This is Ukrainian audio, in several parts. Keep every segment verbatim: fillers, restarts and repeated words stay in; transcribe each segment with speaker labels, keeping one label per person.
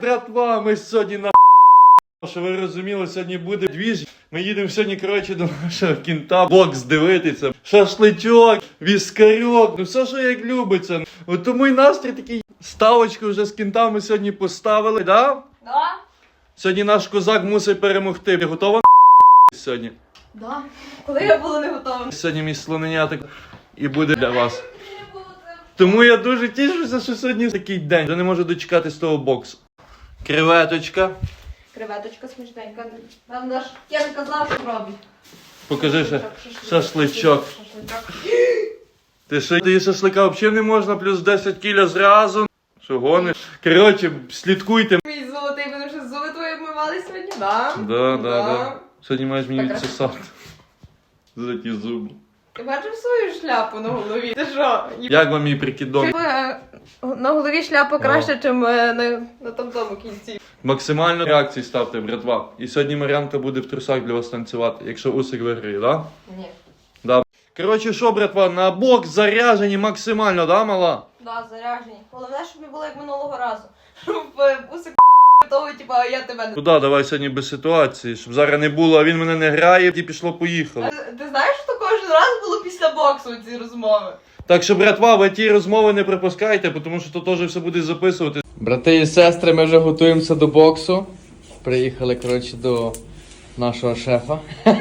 Speaker 1: Братва, ми сьогодні на що ви розуміли, сьогодні буде двіж. Ми їдемо сьогодні, коротше, до нашого кінта бокс дивитися. Шашличок, віскарьок, ну все, що як любиться. От тому й настрій такий. Ставочку вже з кінтами сьогодні поставили, да?
Speaker 2: Да?
Speaker 1: Сьогодні наш козак мусить перемогти. Ти готова сьогодні?
Speaker 2: Да. Коли я була не готова.
Speaker 1: Сьогодні мій слоненятик і буде для вас. Тому я дуже тішуся, що сьогодні такий день. Я не можу дочекатись того боксу. Креветочка.
Speaker 2: Креветочка смачненька. Нам наш Кен казав, що робить.
Speaker 1: Покажи ще шашличок.
Speaker 2: Шашличок.
Speaker 1: Ти що, ти шашлика взагалі не можна, плюс десять кіля зразу. Що гониш? Коротше, слідкуйте.
Speaker 2: Мій золотий, мене вже зуби твої обмивали сьогодні, да?
Speaker 1: Да, да, да. Сьогодні маєш мені
Speaker 2: Так,
Speaker 1: відсосати. За ті зуби.
Speaker 2: Ти бачив свою шляпу на голові? Ти що?
Speaker 1: Як вам мій прикидон?
Speaker 2: Е, На голові шляпа краще, ніж на, на тому кінці.
Speaker 1: Максимально реакції ставте, братва. І сьогодні Мар'янка буде в трусах для вас танцювати, якщо Усик виграє, да?
Speaker 2: Ні.
Speaker 1: Да. Коротше, що, братва, на бокс заряжені максимально, да, мала?
Speaker 2: Да, заряжені. Головне, щоб не було як минулого разу. Щоб усик того, типа, а я тебе не...
Speaker 1: Куда, давай сьогодні без ситуації, щоб зараз не було, а він мене не грає, і пішло-поїхало.
Speaker 2: Ти, ти знаєш, що кожен раз було після боксу ці розмови?
Speaker 1: Так що, братва, ви ті розмови не пропускайте, тому що то теж все буде записувати.
Speaker 3: Брати і сестри, ми вже готуємося до боксу. Приїхали, коротше, до нашого шефа.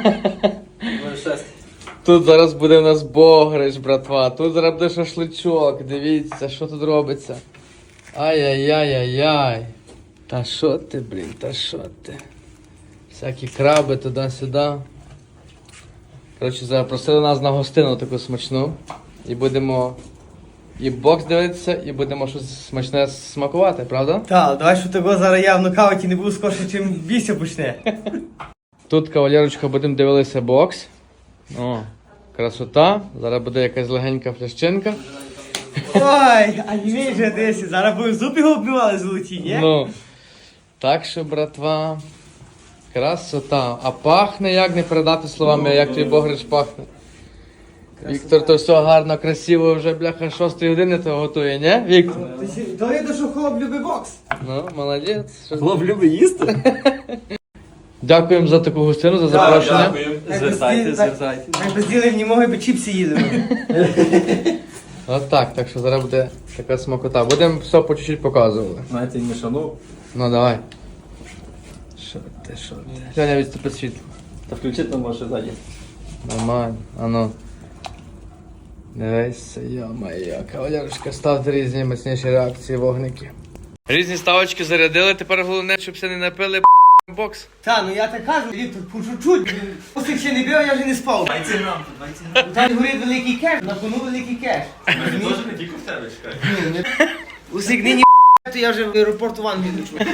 Speaker 3: Тут зараз буде у нас богрич, братва. Тут зараз буде шашличок. Дивіться, що тут робиться. Ай-яй-яй-яй-яй. Та що ти, блін, та що ти? Всякі краби туди-сюди. Коротше, запросили нас на гостину таку смачну. І будемо і бокс дивитися, і будемо щось смачне смакувати, правда?
Speaker 4: Так, давай, що того зараз я в нокауті не буду скорше, чим бійся почне.
Speaker 3: Тут, кавалерочка, будемо дивитися бокс. О, красота. Зараз буде якась легенька флящинка.
Speaker 4: Ой, а не мій вже десь. Зараз будемо зуб його оббивали золоті, ні?
Speaker 3: Ну, так що, братва, красота. А пахне, як не передати словами, як твій богрич пахне. Віктор то все гарно, красиво, вже, бляха, шостої години то готує, не, Віктор?
Speaker 4: То видно, що хлоп любить бокс.
Speaker 3: Ну, молодець. Що-
Speaker 5: Хлоп любить їсти?
Speaker 3: Дякуємо за таку гостину, за запрошення.
Speaker 5: Звертайте, звертайте.
Speaker 4: Як без діли не могли би чіпси їли.
Speaker 3: От так, так що зараз буде така смакота. Будемо все по чуть-чуть показувати.
Speaker 5: Знаєте, не шану.
Speaker 3: Ну, давай. Що ти, що ти? Сьогодні відступи світло.
Speaker 5: Та включити нам може ззаді.
Speaker 3: Нормально, а ну. Дивися, йо-моє, кавалерочка, ставте різні міцніші реакції, вогники. Різні ставочки зарядили, тепер головне, щоб все не напили бокс.
Speaker 4: Та, ну я так кажу, Віктор, по чуть-чуть. Усик ще не бив, я вже не спав.
Speaker 5: Дайте нам, дайте нам.
Speaker 4: Там горить великий кеш, на кону великий кеш.
Speaker 5: Ми теж не тільки в тебе чекаємо.
Speaker 4: Усик нині то я вже в аеропорту в Англії лечу.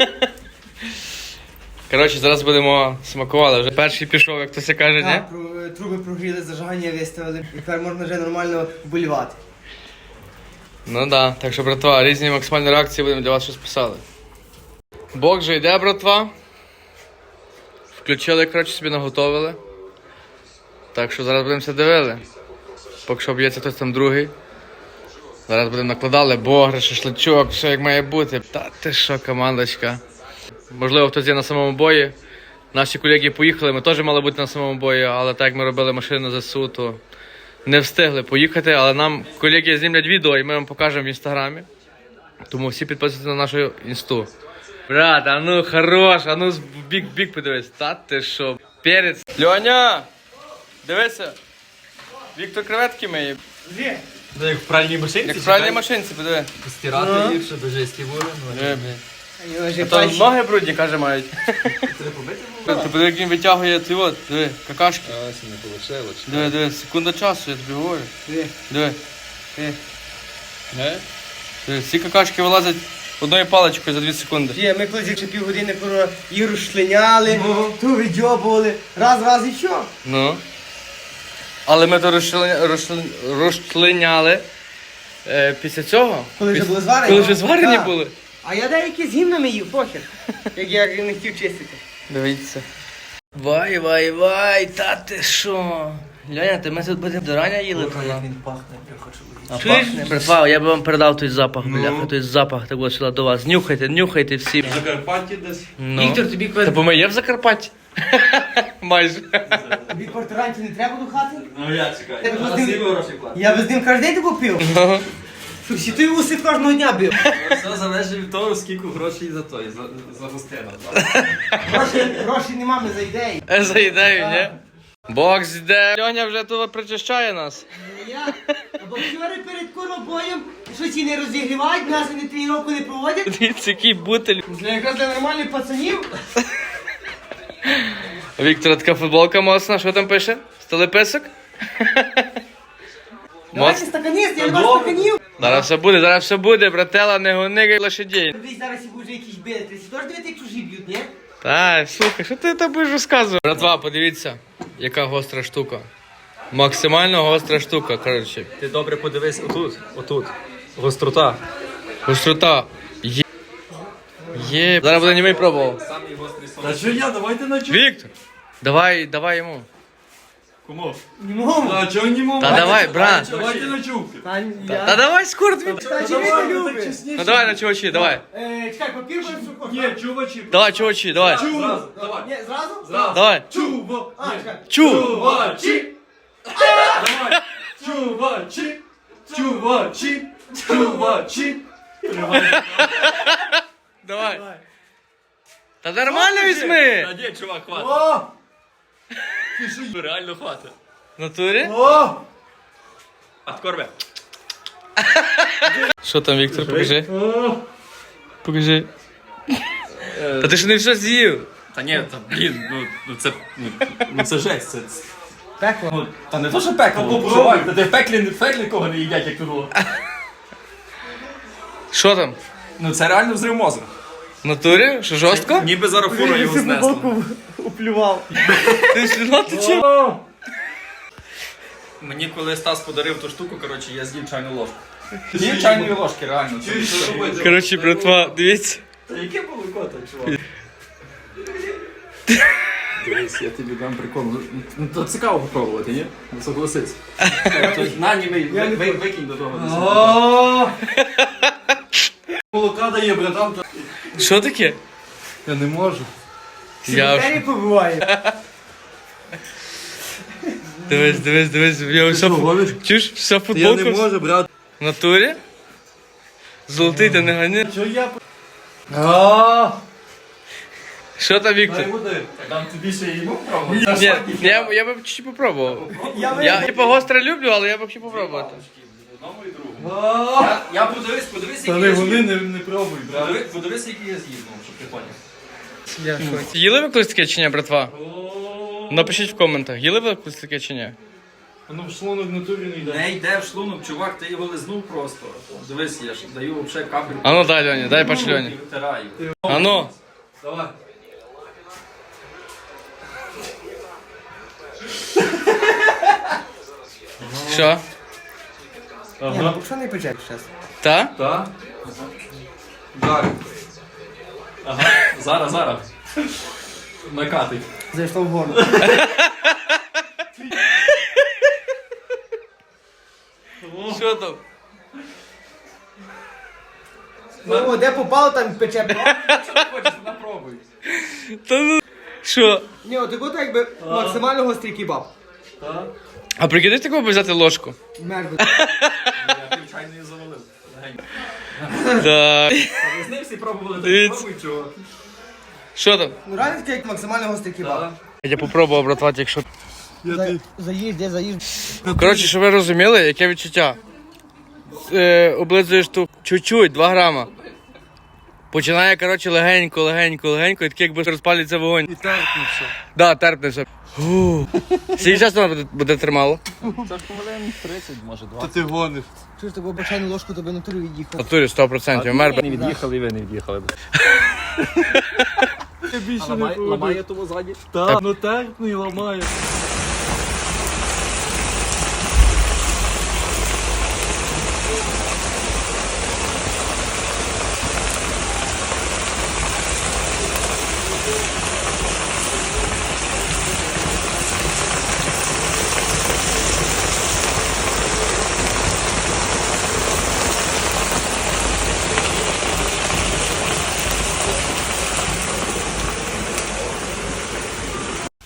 Speaker 3: Коротше, зараз будемо смакувати. Вже перший пішов, як то все каже, ні?
Speaker 4: Так, про- труби прогріли, зажигання виставили. І тепер можна вже нормально вболівати.
Speaker 3: Ну да, так що, братва, різні максимальні реакції будемо для вас щось писали. Бокс же йде, братва. Включили, коротше, собі наготовили. Так що зараз будемо все дивили. Поки що б'ється хтось там другий. Зараз будемо накладали богри, шашличок, все як має бути. Та ти що, командочка. Можливо, хтось є на самому бої. Наші колеги поїхали, ми теж мали бути на самому бої, але так як ми робили машину за ЗСУ, то не встигли поїхати, але нам колеги знімлять відео і ми вам покажемо в інстаграмі. Тому всі підписуйтесь на нашу інсту. Брат, а ну хорош, а ну в бік-бік подивись. Та ти що, перець. Льоня, дивися. Віктор креветки миє.
Speaker 4: Де?
Speaker 5: Ну, як в пральній машинці.
Speaker 3: Як в пральній машинці, подиви.
Speaker 5: Стирати їх, щоб дуже були.
Speaker 3: Диви, блін.
Speaker 4: Вони вже
Speaker 3: А то
Speaker 4: пальці.
Speaker 3: ноги брудні, каже, мають.
Speaker 5: Треба побити було?
Speaker 3: Ти подиви, як він витягує ці от, диви, какашки.
Speaker 5: Ось не вийшло.
Speaker 3: Диви, диви, секунда часу, я тобі говорю.
Speaker 4: Де?
Speaker 3: Диви. Диви, всі какашки вилазять одною паличкою за дві секунди.
Speaker 4: Є, ми колись якщо півгодини коро їх розшлиняли, ту відьобували, раз, раз і що?
Speaker 3: Ну. Але ми то розшлиня- розшли- розшлиняли е, після цього.
Speaker 4: Коли вже
Speaker 3: Піс-
Speaker 4: були зварені?
Speaker 3: Коли вже зварені
Speaker 4: Так.
Speaker 3: були.
Speaker 4: А я деякі з гімнами їв, похер. Як я не хотів чистити.
Speaker 3: Дивіться. Вай, вай, вай, та ти що? Ляня, ти ми тут будемо до рання їли, то на.
Speaker 4: Він пахне, я хочу.
Speaker 3: Чуєш? Братва, я би вам передав той запах, бляха, той запах, так от сюди до вас. Нюхайте, нюхайте всі.
Speaker 1: В Закарпатті десь.
Speaker 3: Ну.
Speaker 4: Віктор, тобі
Speaker 3: Та
Speaker 4: квартиру.
Speaker 3: бо ми є в Закарпатті. Майже.
Speaker 4: Тобі квартирантів не треба до хати?
Speaker 5: Ну я чекаю.
Speaker 4: Я
Speaker 5: На
Speaker 4: без
Speaker 5: сім
Speaker 4: ним-
Speaker 5: грошей платить.
Speaker 4: Я без ним кожен день таку пив. Що всі той уси кожного дня бив.
Speaker 5: Все залежить від того, скільки грошей за той, за, за гостину.
Speaker 4: Грошей, грошей нема, ми за ідеї.
Speaker 3: Е, За ідею, ні? Бокс йде. Льоня вже тут причищає нас.
Speaker 4: Я, а боксери перед коробоєм, що ці не розігрівають, нас вони тренування не проводять.
Speaker 3: Дивіться, який бутель.
Speaker 4: Для якраз для нормальних пацанів.
Speaker 3: Віктора, така футболка моцна, що там пише? Столеписок?
Speaker 4: Давайте
Speaker 3: Моц.
Speaker 4: стаканист, я не бачу стаканів.
Speaker 3: Зараз все буде, зараз все буде, братела, не гони лошадей.
Speaker 4: Десь зараз і вже якісь бити. Ти теж дивити, як чужі б'ють, ні?
Speaker 3: Та, слухай, що ти там будеш розказувати? Братва, подивіться, яка гостра штука. Максимально гостра штука, коротше.
Speaker 5: Ти добре подивись отут, отут. Гострота.
Speaker 3: Гострота. Є. Є. Зараз буде німий пробував.
Speaker 5: Самий гострий сон.
Speaker 1: Та що я, давайте на чу.
Speaker 3: Віктор, давай, давай йому.
Speaker 1: Кому?
Speaker 4: Не можу.
Speaker 1: А чого не можу?
Speaker 3: Та давай, брат.
Speaker 1: Давайте на чубки.
Speaker 4: Та,
Speaker 3: Та
Speaker 4: я...
Speaker 3: давай скоро тобі.
Speaker 4: Та чи ви не любите?
Speaker 3: Ну давай на чувачі, давай.
Speaker 4: Е, чекай, папір будеш сухо.
Speaker 1: Ні, чувачі.
Speaker 3: Давай, чувачі, давай.
Speaker 1: Чу. Давай.
Speaker 4: Ні, зразу?
Speaker 1: Зразу.
Speaker 3: Давай.
Speaker 1: Чува.
Speaker 4: А, чекай.
Speaker 3: Чу.
Speaker 1: Чувачі. Давай. Чувачі. Чувачі. Чувачі.
Speaker 3: Давай. Та нормально візьми.
Speaker 5: Та ні, чувак, хватить.
Speaker 1: О!
Speaker 5: Реально хватить.
Speaker 3: В натурі?
Speaker 1: О!
Speaker 5: А корбе.
Speaker 3: Що там, Віктор, покажи.
Speaker 1: О!
Speaker 3: Покажи. Та ти ж не все з'їв.
Speaker 5: Та ні, та блін, ну, ну це, ну, ну це жесть, це...
Speaker 4: Пекло.
Speaker 5: Ну, та не то, що пекло, чувак, та ти в пеклі, в пеклі кого не їдять, як тут було.
Speaker 3: Що там?
Speaker 5: Ну це реально взрив мозку.
Speaker 3: В натурі? Що жорстко?
Speaker 5: Ніби зараз фура його знесла.
Speaker 4: Уплював.
Speaker 3: Ти слюна тече?
Speaker 1: О!
Speaker 5: Мені коли Стас подарив ту штуку, коротше, я з'їв чайну ложку. З'їв чайної ложки, реально. це-
Speaker 1: Чуєш, що робити?
Speaker 3: Коротше, братва, дивіться.
Speaker 5: Та яке молоко так, чувак? Дивись, я тобі дам прикол. Ну, Ну, то цікаво попробувати, ні? Ну, согласись. То На, ні, ви- ви- ви- викинь до того. десь.
Speaker 1: О! Молока дає, братан.
Speaker 3: Що таке?
Speaker 1: Я не можу.
Speaker 3: Я
Speaker 4: Двері побиває.
Speaker 3: Дивись, дивись, дивись. Я вся
Speaker 1: що, гониш?
Speaker 3: Чуєш, вся
Speaker 1: Я
Speaker 3: футболка.
Speaker 1: не можу, брат.
Speaker 3: В натурі? Золотий, ти не гані.
Speaker 1: Що я... А!
Speaker 3: Що там, Віктор?
Speaker 1: Дай води.
Speaker 5: Дам тобі ще йому пробувати.
Speaker 3: Ні, я, я б чуть попробував.
Speaker 4: Я
Speaker 3: Я типу гостре люблю, але я б хотів попробувати.
Speaker 5: Одному і другому.
Speaker 1: А!
Speaker 5: Я, я подивись, подивись,
Speaker 1: Та
Speaker 5: який
Speaker 1: не
Speaker 5: я
Speaker 1: вони
Speaker 5: з'їв.
Speaker 1: не, не пробуй, брат.
Speaker 5: Подивись, подивись, який я з'їв, ну, щоб ти поняв.
Speaker 3: Їли ви колись таке чи ні, братва?
Speaker 1: О!
Speaker 3: Напишіть в коментах, їли ви колись таке чи ні?
Speaker 1: Ну в шлунок в натурі не йде.
Speaker 5: Не йде в шлунок, чувак, ти його лизнув просто. Дивись, я ж даю взагалі капельку.
Speaker 3: А ну дай, Льоні, дай пач Льоні.
Speaker 5: І витираю.
Speaker 3: А ну.
Speaker 1: Давай.
Speaker 3: Що?
Speaker 4: Ні,
Speaker 1: Ага.
Speaker 4: ну що не пече зараз?
Speaker 3: Та?
Speaker 1: Так? Так.
Speaker 5: Ага, зараз, зараз. Накатий.
Speaker 4: Зайшло в горло.
Speaker 3: Що там?
Speaker 4: Ну, де попало, там пече.
Speaker 5: Хочеш, напробуй.
Speaker 3: Та ну. Що?
Speaker 4: Ні, от такото якби максимально гострий кебаб.
Speaker 1: Так.
Speaker 3: А прикидай такого би взяти ложку?
Speaker 4: Мерду.
Speaker 5: Я пів чайної завалив. Легенько.
Speaker 3: Да.
Speaker 5: А ви з ним всі пробували, так
Speaker 3: Дивіться.
Speaker 5: пробуй, чого.
Speaker 3: Що там?
Speaker 4: Ну реально таке як максимально гострий кебаб.
Speaker 3: Я попробував, братва, якщо.
Speaker 4: За- Заїзд, де заїзд.
Speaker 3: Коротше, щоб ви розуміли, яке відчуття. Е, облизуєш ту чуть-чуть, два грама. Починає, коротше, легенько, легенько, легенько, і таке, якби розпалюється вогонь. І терпнеться. Да, терпнеться. Фу. Скільки часу воно буде, буде тримало?
Speaker 5: Це ж хвилин тридцять, може,
Speaker 1: Та ти гониш.
Speaker 4: Чуєш, таку бачайну ложку тобі на турі від'їхав.
Speaker 3: Натурі сто відсотків. Мер би.
Speaker 5: Не від'їхали і ви не від'їхали.
Speaker 1: Я більше не
Speaker 5: Ламає,
Speaker 1: пробую.
Speaker 5: ламає того ззаді.
Speaker 1: Так, ну терпний ламає.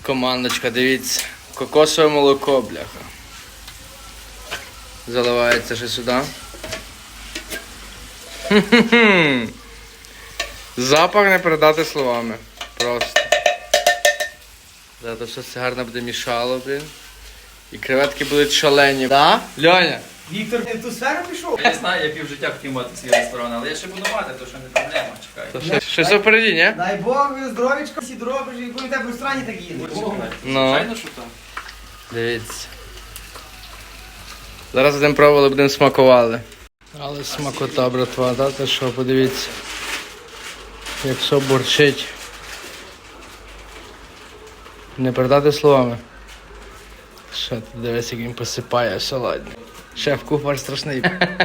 Speaker 3: Командочка, дивіться. Кокосове молоко, бляха. Заливається ще сюди. Хм-хм-хм. Запах не передати словами. Просто. Зараз все це гарно буде мішало, блін. І креветки будуть шалені. Да? Льоня?
Speaker 4: Віктор не в ту сферу пішов?
Speaker 5: Я знаю, я півжиття хотів мати свій ресторан, але я ще буду мати, то що не проблема, чекай.
Speaker 3: То ще- Щось впереді, ні?
Speaker 4: Дай Бог, здоровічка, всі доробиш, і будете в ресторані так їдете.
Speaker 3: Ну.
Speaker 5: Звичайно, що так.
Speaker 3: Дивіться. Зараз будемо пробували, будемо смакували. Але смакота, братва, да? Ти що, подивіться. Якщо бурчить. Не передати словами. Що ти дивись, як він посипає салатні. Шеф-кухар страшний.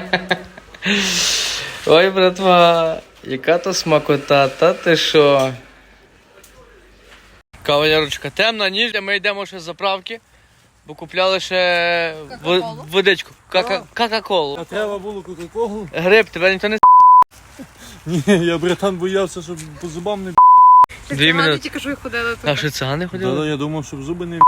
Speaker 3: Ой, братва, яка то смакота, та ти що? Кавалерочка, темна ніч, ми йдемо ще з заправки, бо купляли ще
Speaker 2: Кока-колу?
Speaker 3: в- водичку. Кака- Кока-колу.
Speaker 1: А треба було кока-колу?
Speaker 3: Гриб, тебе ніхто не
Speaker 1: Ні, я, братан, боявся, щоб по зубам не
Speaker 3: Дві минути.
Speaker 2: тільки що й ходили
Speaker 3: А що це не ходили?
Speaker 1: Да, я думав, щоб зуби не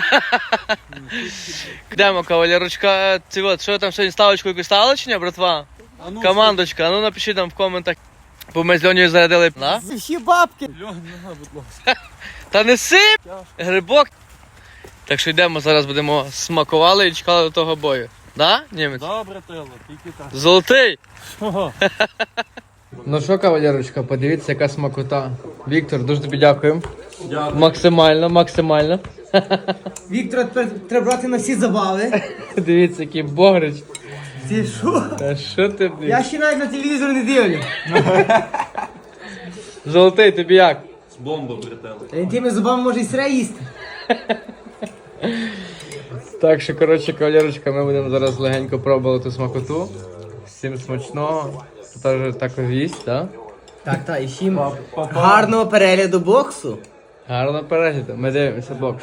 Speaker 3: Йдемо, кавалерочка. Ти от, що там сьогодні ставочку якусь ставили чи ні, братва?
Speaker 1: А ну,
Speaker 3: Командочка, а ну напишіть нам в коментах. Бо ми з Льонею зарядили. На?
Speaker 4: Це всі бабки.
Speaker 1: Льон, нога, будь ласка.
Speaker 3: Та не сип! Грибок. Так що йдемо, зараз будемо смакували і чекали до того бою. Да, німець?
Speaker 1: Да, брателло, тільки так.
Speaker 3: Золотий!
Speaker 1: Ага.
Speaker 3: Ну що, кавалерочка, подивіться, яка смакота. Віктор, дуже тобі дякуємо.
Speaker 1: Дякую.
Speaker 3: Максимально, максимально.
Speaker 4: Віктора тепер треба брати на всі забави.
Speaker 3: Дивіться, який богрич.
Speaker 4: Ти що?
Speaker 3: Та що ти, блін?
Speaker 4: Я ще навіть на телевізор не дивлю.
Speaker 3: Золотий, тобі як?
Speaker 1: Бомба, брателло.
Speaker 4: Та він тими зубами може і сире їсти.
Speaker 3: Так що, коротше, кавалерочка, ми будемо зараз легенько пробувати ту смакоту. Всім смачного. Також також їсть, так?
Speaker 4: Так, так, і всім гарного перегляду боксу.
Speaker 3: Гарно перегляду. Ми дивимося бокс.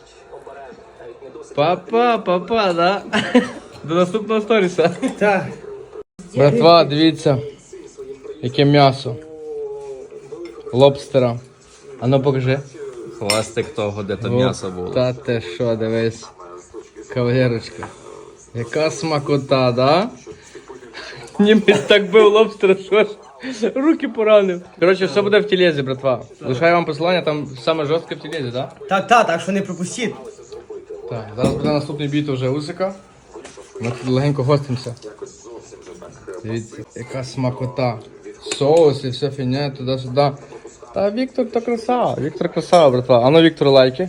Speaker 3: Папа, папа, да? До наступного сторіса.
Speaker 4: Так.
Speaker 3: Братва, дивіться, яке м'ясо. Лобстера. А ну покажи.
Speaker 5: Хвастик того, де
Speaker 3: Оп, Та ти що, дивись. Кавалерочка. Яка смакота, да? Німець так бив лобстера, що ж. Руки поранив. Коротше, все буде в тілезі, братва. Лишаю вам посилання, там саме жорстке в тілезі, да?
Speaker 4: Так, так, так що не пропустіть.
Speaker 3: Так, зараз буде наступний бій вже Усика. Ми тут легенько гостимося. Дивіться, яка смакота. Соус і все фігня туди-сюди. Та Віктор то красава, Віктор красава, братва. А ну, Віктор, лайки.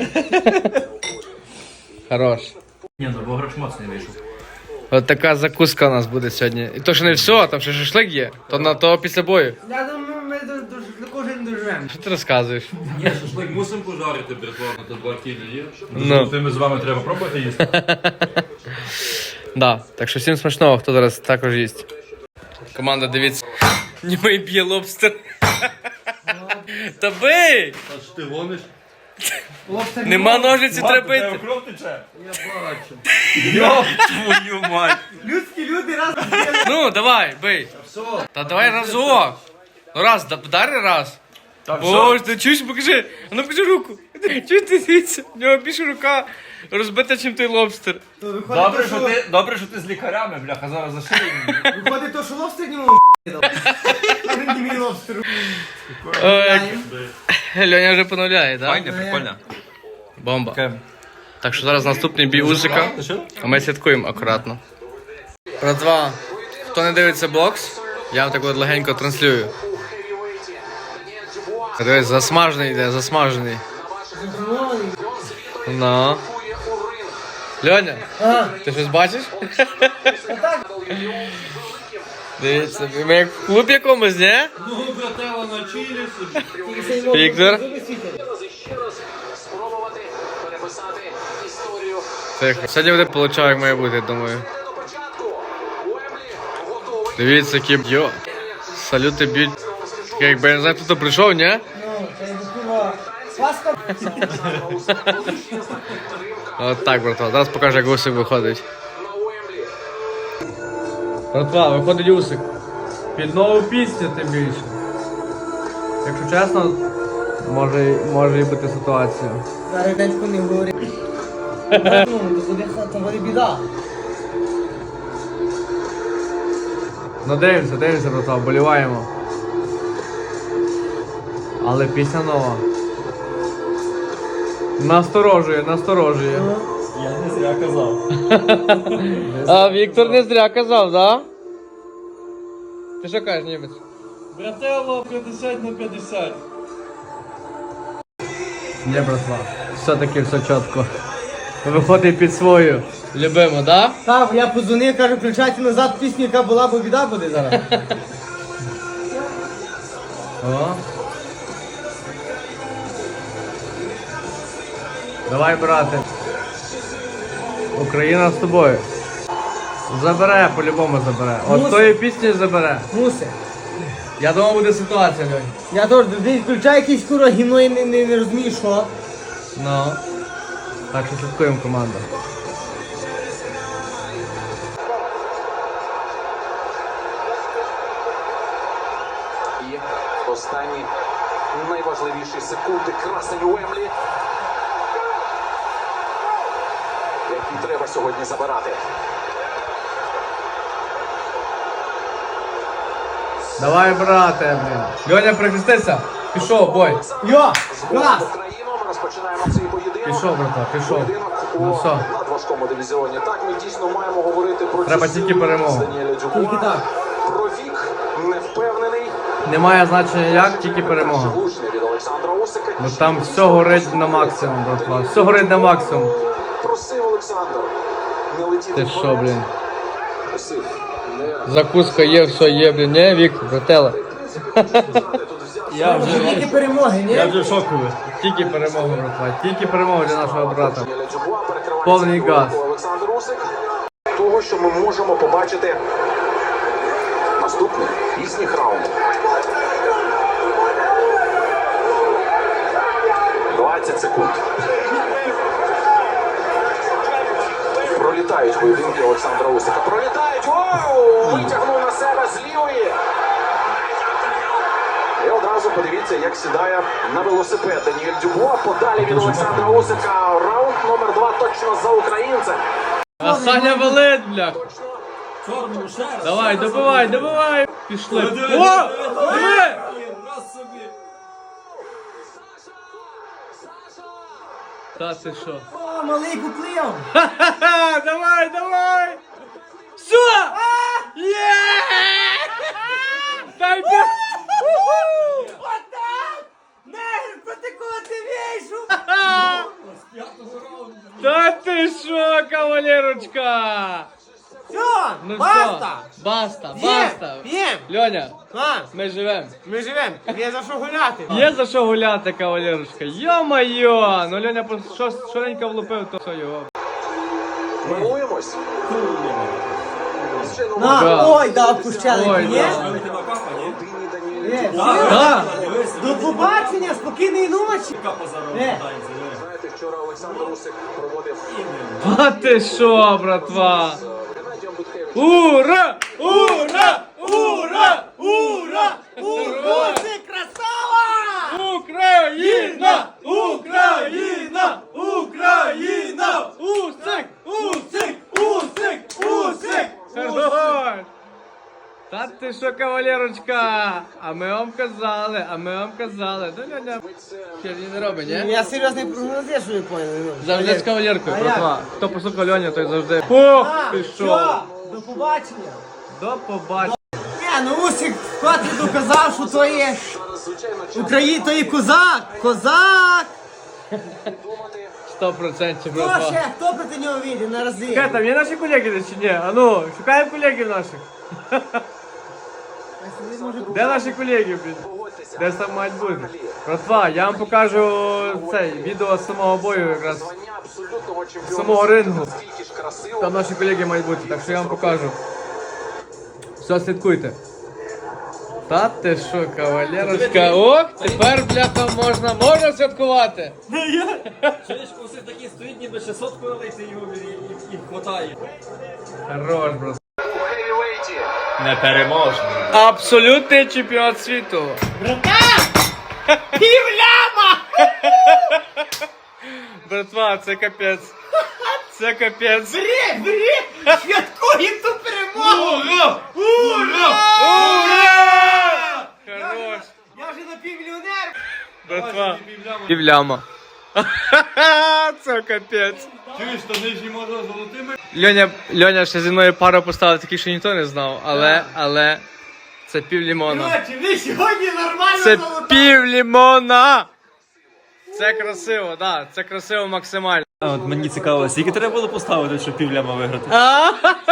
Speaker 3: Хорош.
Speaker 5: Ні, ну бо грош моцний вийшов.
Speaker 3: От така закуска у нас буде сьогодні. І то ще не все, там ще шашлик є. То на то після бою.
Speaker 4: Я думаю, ми до, до, до кожен доживемо.
Speaker 3: Що ти розказуєш?
Speaker 1: Ні, шашлик мусимо пожарити, братва, на то два кілі є.
Speaker 3: Ну.
Speaker 1: Тими з вами треба пробувати їсти.
Speaker 3: Да, так що всім смачного, хто зараз також їсть. Команда, дивіться. Німий б'є лобстер. Та бий!
Speaker 1: А що ти гониш?
Speaker 3: Нема ножиці треба бити.
Speaker 1: Кров тече? Я бачу.
Speaker 3: Твою мать.
Speaker 4: Людські люди раз.
Speaker 3: Ну, давай, бий. Та давай разок. Ну раз, да- вдари раз. Боже, ти чуєш, покажи. А ну покажи руку. Чуєш ти дивіться? В нього більше рука розбита, ніж той лобстер.
Speaker 4: То виходить, то, що,
Speaker 5: ти, добре, що ти з лікарями, бляха, зараз зашили.
Speaker 4: виходить то, що лобстер не мов дав. А він не мій лобстер.
Speaker 3: Ой, Льоня вже поновляє, так?
Speaker 5: Файне, прикольно.
Speaker 3: Бомба. Так що зараз наступний бій Усика, а ми слідкуємо акуратно. Братва, хто не дивиться бокс, я вам так от легенько транслюю. Дивись, засмажений йде, засмажений. Ну. Льоня,
Speaker 4: Ага.
Speaker 3: ти щось бачиш? Дивіться, ми як в клуб якомусь, ні?
Speaker 1: Ну, брателло, на чилі собі.
Speaker 3: Віктор? Тихо. Сьогодні буде получав, як має бути, я думаю. Дивіться, які йо. Салюти б'ють. Таке, якби я не знаю, хто прийшов, ні?
Speaker 4: Ну, це якби курва. Сваска.
Speaker 3: От так, братва. Зараз покажу, як Усик виходить. Братва, виходить Усик. Під нову пісню тим більше. Якщо чесно, Може, може і бути ситуація.
Speaker 4: Зараз деньку не говори. Ну, то буде, то буде біда.
Speaker 3: Ну дивимося, дивимося, братва, вболіваємо. Але пісня нова. Насторожує, насторожує.
Speaker 5: Я не зря казав.
Speaker 3: А Віктор не зря казав, да? Ти що кажеш, німець?
Speaker 1: Брателло п'ятдесят на п'ятдесят.
Speaker 3: Ні, братва, все-таки все чітко. Виходить під свою. Любимо, да?
Speaker 4: Так, я подзвонив, кажу, включайте назад пісню, яка була, бо біда буде зараз.
Speaker 3: О. Давай, брате. Україна з тобою. Забере, по-любому забере. От
Speaker 4: Мусить.
Speaker 3: тої пісні забере.
Speaker 4: Муси.
Speaker 3: Я думав, буде ситуація, Льонь.
Speaker 4: Я теж, ти включай якийсь кура гімно і не, не, не розумію, що.
Speaker 3: Ну. Так що слідкуємо, команда.
Speaker 6: І останні найважливіші секунди красень Уемблі, які треба сьогодні забирати.
Speaker 3: Давай, брате, блін. Льоня, прихистися. Пішов, бой.
Speaker 4: Йо!
Speaker 6: З
Speaker 4: Клас!
Speaker 6: Україну ми розпочинаємо цей поєдинок.
Speaker 3: Пішов, брата, пішов.
Speaker 6: Поєдинок
Speaker 3: Ну
Speaker 6: у
Speaker 3: все.
Speaker 6: надважкому дивізіоні. Так, ми дійсно маємо говорити про
Speaker 3: Треба
Speaker 6: цю
Speaker 3: тільки
Speaker 6: силу
Speaker 3: перемогу.
Speaker 6: Даніеля Дюбуа.
Speaker 4: Тільки так.
Speaker 6: Про вік невпевнений.
Speaker 3: Немає значення як, тільки перемога.
Speaker 6: Влучний від Олександра Усика.
Speaker 3: Бо там все горить на максимум, братва. Все горить на максимум.
Speaker 6: Просив Олександр не летіти
Speaker 3: Ти
Speaker 6: вперед.
Speaker 3: що, блін?
Speaker 6: Просив не
Speaker 3: Закуска є, все є, блін. Не, Віктор, братела. Я вже,
Speaker 4: Тільки перемоги, ні?
Speaker 3: я вже шоковий. Тільки перемога, братва. Тільки перемога для нашого брата.
Speaker 6: Даніеля Дюбуа перекриває
Speaker 3: Повний
Speaker 6: центр
Speaker 3: газ.
Speaker 6: руку Олександр Усик. Того, що ми можемо побачити наступний пізніх раунд. двадцять секунд. Пролітають поєдинки Олександра Усика. Пролітають! Воу! Витягнув на себе з лівої. І одразу подивіться, як сідає на велосипед Даніель Дюбуа. Подалі від Олександра Усика. Раунд номер два точно за українцем.
Speaker 3: А Саня валить, бля.
Speaker 5: Чорному ще раз.
Speaker 3: Давай, добивай, добивай. Пішли. О! Диви!
Speaker 5: Раз собі.
Speaker 3: Та ти що?
Speaker 4: О, малий куплив!
Speaker 3: Ха-ха-ха! Давай, давай! Все! Є! Дай бі...
Speaker 4: Отак! Негр, проти кого ти вийшов?
Speaker 3: Та ти що, кавалерочка?
Speaker 4: Все,
Speaker 3: Ну
Speaker 4: баста!
Speaker 3: все, баста,
Speaker 4: П'єм,
Speaker 3: баста.
Speaker 4: п'єм!
Speaker 3: Льоня,
Speaker 4: А,
Speaker 3: ми живемо.
Speaker 4: ми живемо, є за що гуляти.
Speaker 3: Є за що гуляти, кавалерочка. Йо-майо! Ну Льоня просто що, шоренько влупив, то все його.
Speaker 6: Милуємось. Звичайно,
Speaker 4: На,
Speaker 3: Да.
Speaker 4: ой, да, опущали,
Speaker 3: Ой,
Speaker 4: ні?
Speaker 3: да.
Speaker 5: Ви тебе капа, ні?
Speaker 6: Даніель Даніель
Speaker 4: Є.
Speaker 6: Дюбуа.
Speaker 3: Да.
Speaker 4: До побачення, спокійної ночі.
Speaker 5: Капа зараз
Speaker 4: Е.
Speaker 5: питається.
Speaker 6: Знаєте, вчора Олександр Усик проводив
Speaker 3: А ти що, братва?
Speaker 6: з Геннадієм Буткевичем.
Speaker 3: Ура! Ура! Ура! Ура!
Speaker 4: Ура! Ти красава!
Speaker 3: Україна! Україна! Україна! Усик! Усик! Усик! Усик! Хорош! Та ти що, кавалерочка? А ми вам казали, а ми вам казали. Ну, Льоня, херні не робить, ні?
Speaker 4: Я серйозний прогноз, що ви поняли.
Speaker 3: Завжди з кавалеркою,
Speaker 4: А
Speaker 3: братва. Хто послухав Льоню, той завжди. Ох,
Speaker 4: А,
Speaker 3: пішов.
Speaker 4: все, до побачення.
Speaker 3: До побачення.
Speaker 4: Ні, ну Усик вкотре доказав, що то є
Speaker 6: Зараз, звичайно, час
Speaker 4: Україна, то є козак, козак.
Speaker 6: думати.
Speaker 3: Сто процентів,
Speaker 4: Хто
Speaker 3: братва.
Speaker 4: ще, хто проти нього вийде на рази?
Speaker 3: Чекай, там є наші колеги десь чи ні? А ну, шукаємо колегів наших. Де наші колеги, блін?
Speaker 6: Погодьтеся.
Speaker 3: Десь там мають бути. Братва, я вам покажу цей відео з самого бою якраз.
Speaker 6: Звання абсолютного чемпіона.
Speaker 3: Самого рингу.
Speaker 6: Скільки ж красиво.
Speaker 3: Там наші колеги мають бути, так що я вам покажу. Все, слідкуйте. Та ти що, кавалерочка? Ох, тепер, бляха, можна, можна святкувати.
Speaker 5: Чуєш, усе такі стоїть, ніби ще сотку налити його і, і, і хватає.
Speaker 3: Хорош, брат.
Speaker 6: У хевівейті.
Speaker 3: Абсолютний чемпіон світу.
Speaker 4: Півляма!
Speaker 3: братва, це капець. Це капець.
Speaker 4: Бери, бери! Святкуємо ту перемогу!
Speaker 1: Ура! Ура!
Speaker 3: Ура! Хорош.
Speaker 4: Я вже напівмільйонер!
Speaker 3: Братва. Півляма. Це капець.
Speaker 1: Чуєш, то нижні може золотими?
Speaker 3: Льоня, Льоня ще зі мною пару поставив, таких, що ніхто не знав, але, але, це пів лімона.
Speaker 4: Коротше, ви сьогодні нормально
Speaker 3: Це
Speaker 4: золота!
Speaker 3: пів лімона! Це красиво, да, це красиво максимально.
Speaker 5: А от мені цікаво, скільки треба було поставити, щоб півляма виграти?
Speaker 3: А,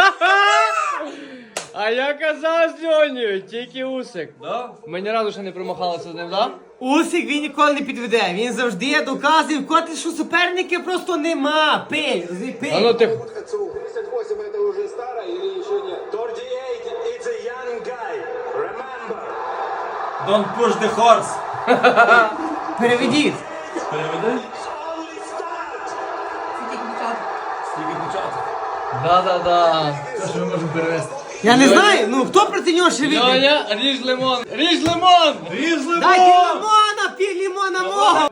Speaker 3: а я казав з Льонею, тільки усик.
Speaker 1: Да?
Speaker 3: Ми ні разу ще не промахалися з ним, да?
Speaker 4: Усик він ніколи не підведе, він завжди доказує, коти, що суперники просто нема. Пий, розумій, пий.
Speaker 3: А ну ти...
Speaker 6: тридцать восемь это уже старо или еще нет? тридцать восемь it's a young guy. Remember.
Speaker 5: Don't push the horse!
Speaker 4: Переведіть.
Speaker 5: Переведи?
Speaker 6: Only start.
Speaker 2: Це тільки початок.
Speaker 5: Тільки початок.
Speaker 3: Да-да-да.
Speaker 4: Я не знаю, ну хто проти нього ще вийде?
Speaker 3: Льоня, ріж лимон. Ріж лимон!
Speaker 1: Різ лимон!
Speaker 4: Дайте лимона, пів лимона мого.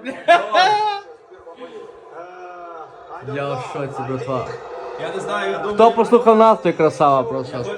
Speaker 3: Я в шоці, братва.
Speaker 5: Я не знаю, я думаю...
Speaker 3: Хто послухав нас, той красава просто.